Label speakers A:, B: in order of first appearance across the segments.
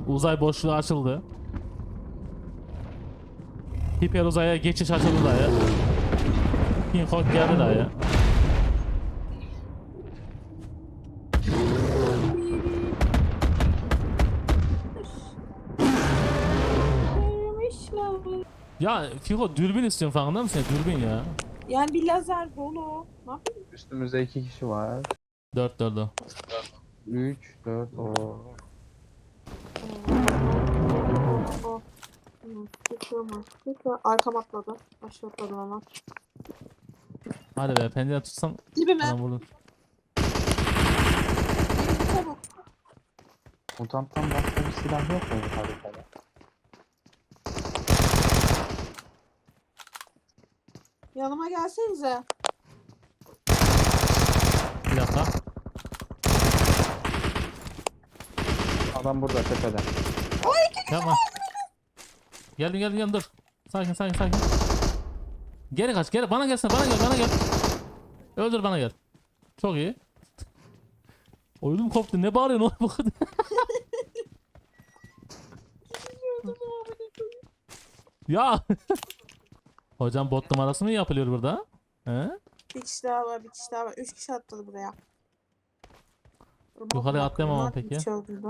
A: Uzay boşluğu açıldı. Hiper uzaya geçiş açıldı dayı. King Kong geldi dayı. Ya Fiko dürbün istiyorum, farkında mısın? Dürbün ya.
B: Yani bir lazer dolu. Ne yapayım?
C: Üstümüzde 2 kişi var.
A: 4 o.
C: 3, 4, o.
B: Oh. Arkam atladı. Aşağı atladı ama.
A: Hadi be, pencere tutsam
B: Dibime.
A: bana vurur.
B: Çabuk.
C: Mutanttan başka bir silah yok mu bu haritada?
B: Yanıma gelsenize.
A: Bir dakika.
C: Adam burada tepede.
A: Yapma. Geldim dur. Sakin. Geri kaç, geri bana gelsene, bana gel. Öldür, bana gel. Çok iyi. Oyunum koptu, ne bağırıyorsun oğlum bu kadar? Ya. Hocam bot numarası mı yapılıyor burada? He?
B: Bir kişi daha var. 3 kişi atladı buraya.
A: Yukarıya atlayamam ama peki.
B: Hiç öldürdü.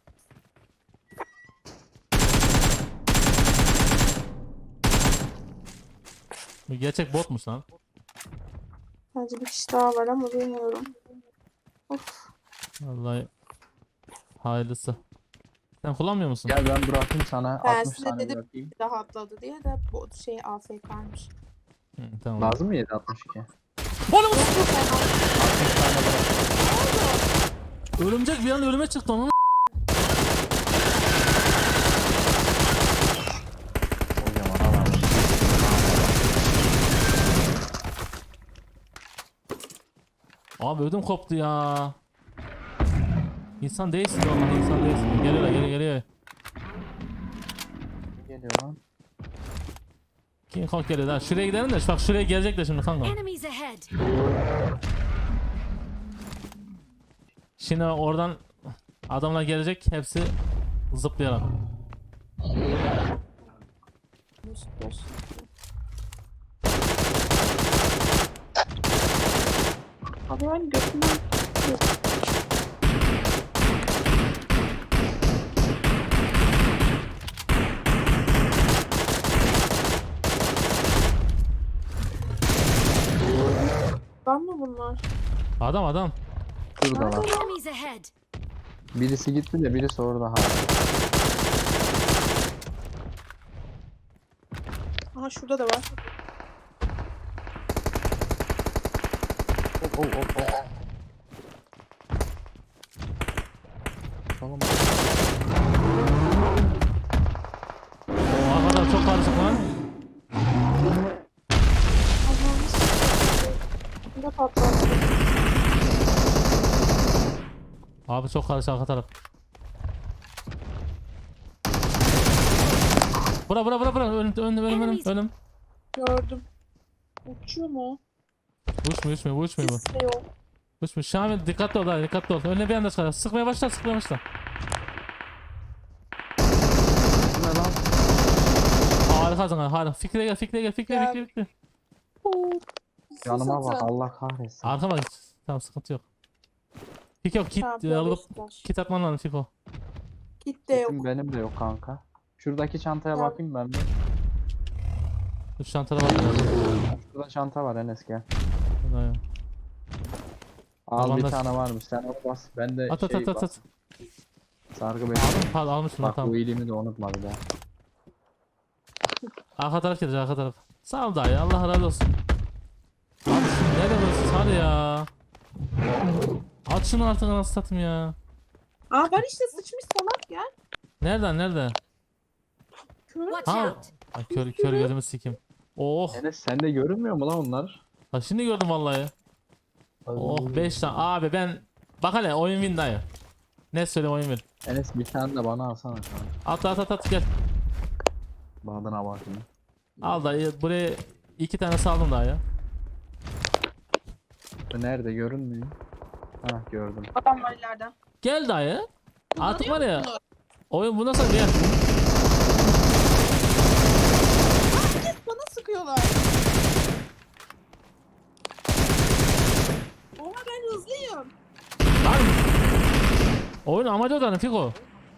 A: Bu gerçek botmuş lan.
B: Bence bir kişi daha var ama bilmiyorum. Of.
A: Vallahi hayırlısı. Sen kullanmıyor musun?
C: Gel ben bırakayım sana.
B: Ben
C: 60
B: size
C: tane
B: dedim
C: bırakayım.
B: bir daha atladı diye de bu şey AFK'ymış.
A: Hı, tamam.
C: Lazım mı 762?
A: Oğlum!
C: 60 tane bırak.
A: Örümcek bir an ölüme çıktı onun.
C: Kocaman adam.
A: Abi ödüm koptu ya. İnsan değilsin vallahi, insan değilsin. Geliyor.
C: Geliyor lan.
A: King Kong geliyor lan. Şuraya gidelim de bak, şuraya gelecek de şimdi kanka.
D: Enemies ahead.
A: Şimdi oradan adamlar gelecek, hepsi zıplayarak.
B: Abi ben götümden ben mi bunlar?
A: Adam.
C: Şuradalar.
D: Enemies ahead.
C: Birisi gitti de birisi orada hala.
B: Aha şurada da var.
C: Oh. Tamam.
A: O arkadan çok karışık lan.
B: Allah'ım ne patlattı.
A: Abi çok karışık arka taraf. Bura. Önüm.
B: Gördüm. Uçuyor mu?
A: Uçmuyor bu.
B: Ses de yok.
A: Uçmuyor. Şamil dikkatli ol. Önüne bir anda çıkar. Sıkmaya başla.
C: Bu ne lan?
A: Harikasın hala. Fikre gel. Fikre.
C: Yanıma bak Allah kahretsin.
A: Arkama git. Tamam, sıkıntı yok. Fiko kit alıp kit atman lazım Fiko.
B: Git de yok.
C: Kitim benim de yok kanka. Şuradaki çantaya
B: Ya.
C: bakayım ben bir.
A: Şu çantada bak.
C: Şurada çanta var Enes gel.
A: Dayan.
C: Al
A: Tamam
C: bir
A: da-
C: tane varmış sen onu bas. Ben de
A: At.
C: bas. Sargı beni.
A: Almışım lan,
C: Bak
A: tamam.
C: bu iyiliğimi de unutma bir daha.
A: Arka taraf gelecek, arka taraf. Sağ ol dayı, Allah razı olsun. Abi şimdi nerede burası? Hadi ya. At şunu artık, nasıl satayım ya.
B: Aa var işte sıçmış salak ya.
A: Nerede?
B: Kör.
D: Watch
A: Ha.
D: out.
A: Ay, kör gözümü sikeyim. Oh.
C: Enes sende görünmüyor mu lan onlar?
A: Ha, şimdi gördüm vallahi. Oh 5 tane. Abi ben bak hele, oyun win dayı. Ne söyle, oyun win.
C: Enes bir tane de bana alsana kanka.
A: At gel.
C: Bağdına bakayım.
A: Al dayı, buraya 2 tane saldım daha ya.
C: Bu nerede görünmüyor? Ha gördüm.
B: Adam var ileride.
A: Gel dayı. Artık var ya. Oyun bu nasıl bir yer?
B: Bana sıkıyorlar. Oha ben hızlıyım.
A: Lan! Oyun amacı odanın Fiko.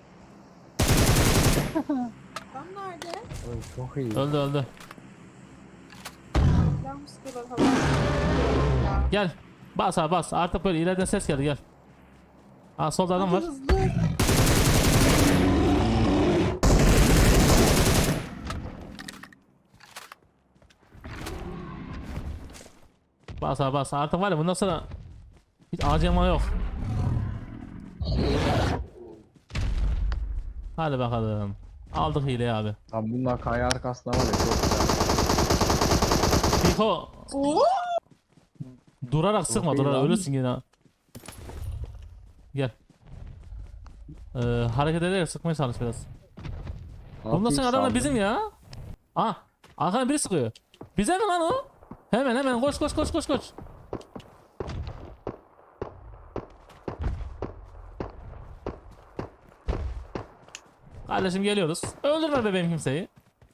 B: Tam nerede?
C: Oy, çok iyi.
A: Öldü öldü.
B: Ben mi sıkıyorlar hava? Ya.
A: Gel. Bas abi bas. Artık böyle ileriden ses geldi gel. Aa solda adam var.
B: Hadi hızlı.
A: Bas abi bas. Artık var ya bundan sonra hiç acıma yok. Hadi bakalım. Aldık hileyi abi.
C: Abi bunlar kaya arkasında var ya çok güzel.
A: Fiko
B: Oo.
A: durarak sıkma
C: iyi
A: durarak
C: lan.
A: ölürsün yine. Ha. Gel. Hareket ederek sıkmaya çalış biraz. Bundan sonra adamlar bizim ya. Aa, arkadan biri sıkıyor. Bize mi lan o? Hemen hemen koş koş koş koş koş. Kardeşim geliyoruz. Öldürme bebeğim kimseyi.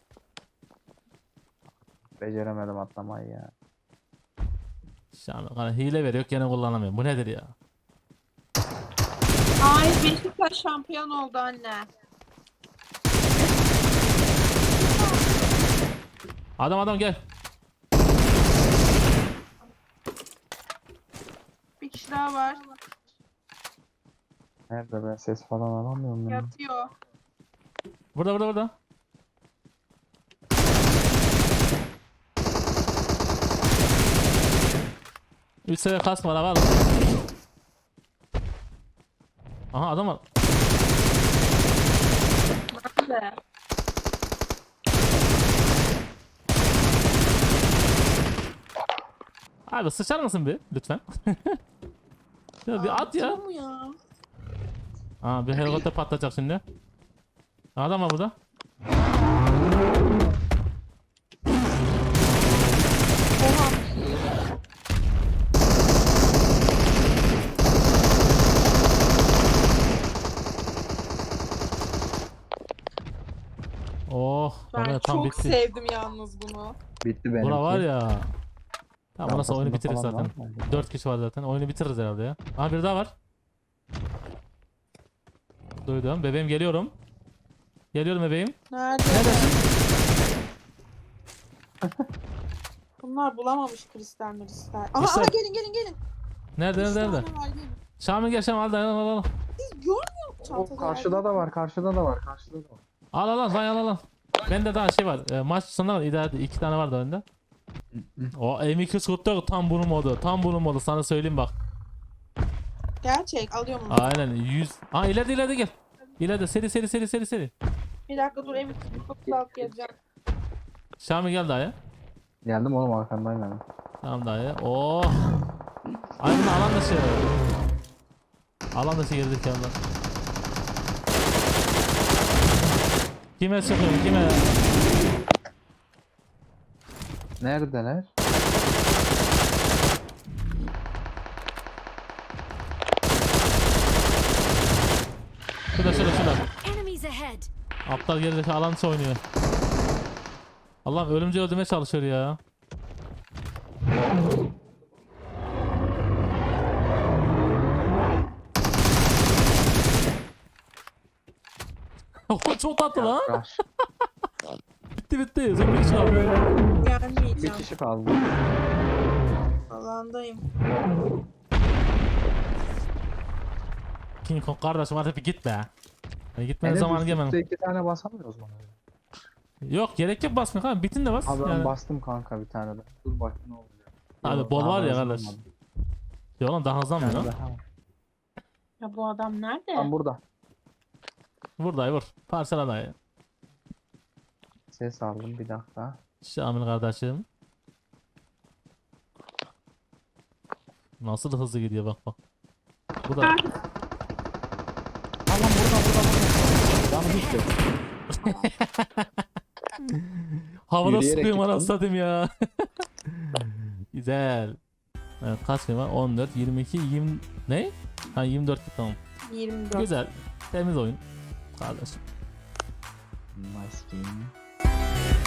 C: Beceremedim atlamayı ya.
A: Şahane hile veriyor gene kullanamıyorum. Bu nedir ya?
B: Ay Beşiktaş şampiyon oldu anne.
A: Adam gel.
B: Bir kişi daha var.
C: Nerede ben ses falan alamıyorum ya.
B: Yatıyor.
A: Burada. Üç seviye kask var abi. Aha adam var.
B: Nerede?
A: Abi sıçar mısın bir lütfen? Ya bir at ya.
B: Atıyor mu ya?
A: Aa bir helikopter patlayacak şimdi. Adam var burada.
B: Oha.
A: Oh,
B: Ben
A: oraya tam
B: çok
A: bitti.
B: sevdim yalnız bunu.
C: Bitti benimki.
A: Bura var ya. Tamam burası oyunu
C: Kafasında
A: bitiririz
C: falan
A: zaten.
C: var mı?
A: 4 kişi var zaten. Oyunu bitiririz herhalde ya. Aha bir daha var. Duydum. Bebeğim geliyorum. Geliyorum bebeğim.
B: Nerede?
A: Neredesin?
B: Bunlar bulamamış kristal kristal. Aha,
A: Kristal.
B: aha gelin.
A: Nerede?
B: Üç tane var, gelin.
A: Şamil gel Şamil al.
B: Siz görmüyor musunuz
C: O
B: çantada?
C: karşıda da var, karşıda da var, karşıda da var.
A: Al. Bende daha şey var. Maç sonunda var. İdare 2 tane vardı önde. O M249 tam bunun modu. Tam bunun modu. Sana söyleyeyim bak.
B: Gerçek alıyorum onu.
A: Aynen 100. Aa ileride gel. İleride seri.
B: Bir dakika dur evi çok sağlık geleceğim.
A: Şamil gel daha ya.
C: Geldim oğlum arkandayım yani.
A: Tamam dayı. Oh. Ay bunu alan dışı. Alan dışı girdik yanda. Kime sıkıyorum kime?
C: Neredeler?
A: Şurada.
D: Enemies ahead.
A: Aptal gerideki alan dışı oynuyor. Allah'ım ölümcül öldürmeye çalışıyor ya. Çok tatlı lan.
C: Yaklaş.
A: Bitti. Son bir kişi kaldı.
C: Bir
B: Gelmeyeceğim.
C: kişi kaldı.
B: Alandayım.
A: King Kong kardeşim hadi bir git be. Gitmenin
C: Hele
A: zamanı
C: üst
A: gelmedi.
C: üste 2 tane basamıyoruz mu?
A: Yok gerek yok basmıyor kanka. Bitin de bas.
C: Abi ben
A: Yani.
C: bastım kanka bir tane de. Dur bak ne olacak.
A: Abi
C: Yok,
A: bol
C: daha
A: var ya
C: hızlanmadı.
A: kardeş. Ya oğlum daha
C: Bir
A: hızlanmıyor
C: tane
A: lan.
C: daha var.
B: Ya bu adam nerede?
C: Tam burada.
A: Vur dayı vur. Parsela dayı.
C: Ses aldım bir dakika.
A: Şamil kardeşim. Nasıl hızlı gidiyor bak. Bu da
C: Tamam burada. Canım hiç yok.
A: havada
C: Yürüyerek
A: sıkıyorum
C: git
A: anasını satayım ya. Güzel. Evet kaç gün var? 14, 22, 20... Ne? Ha 24 tamam.
B: 24.
A: Güzel. Temiz oyun. kardeşim.
C: Nice game.